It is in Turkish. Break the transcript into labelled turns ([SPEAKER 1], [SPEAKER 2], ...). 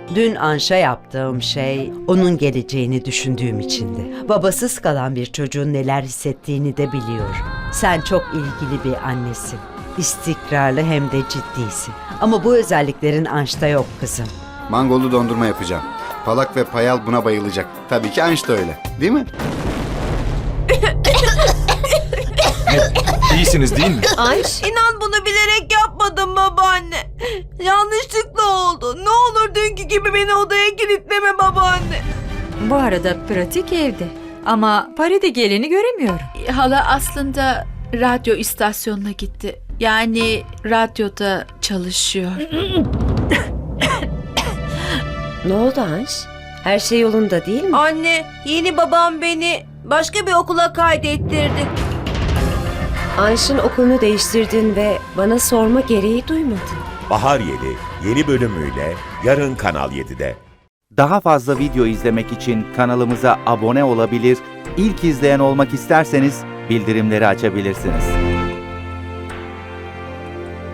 [SPEAKER 1] Dün Anş'a yaptığım şey onun geleceğini düşündüğüm içindi. Babasız kalan bir çocuğun neler hissettiğini de biliyorum. Sen çok ilgili bir annesin. İstikrarlı hem de ciddisin. Ama bu özelliklerin Anş'ta yok kızım.
[SPEAKER 2] Mangolu dondurma yapacağım. Palak ve Payal buna bayılacak. Tabii ki Anş da öyle. Değil mi?
[SPEAKER 3] İyisiniz değil mi?
[SPEAKER 4] Anş,
[SPEAKER 5] İnan bunu bilerek yapmadım babaanne. Yanlışlıkla oldu. Ne olur dünkü gibi beni odaya kilitleme babaanne.
[SPEAKER 4] bu arada pratik evde. Ama Paride geleni göremiyorum.
[SPEAKER 6] Hala aslında radyo istasyonuna gitti. Yani radyoda çalışıyor.
[SPEAKER 7] Ne oldu Anş? Her şey yolunda değil mi?
[SPEAKER 5] Anne, yeni babam beni başka bir okula kaydettirdi.
[SPEAKER 7] Anş'ın okulunu değiştirdin ve bana sorma gereği duymadın.
[SPEAKER 8] Bahar Yeli yeni bölümüyle yarın Kanal 7'de.
[SPEAKER 9] Daha fazla video izlemek için kanalımıza abone olabilir, ilk izleyen olmak isterseniz bildirimleri açabilirsiniz.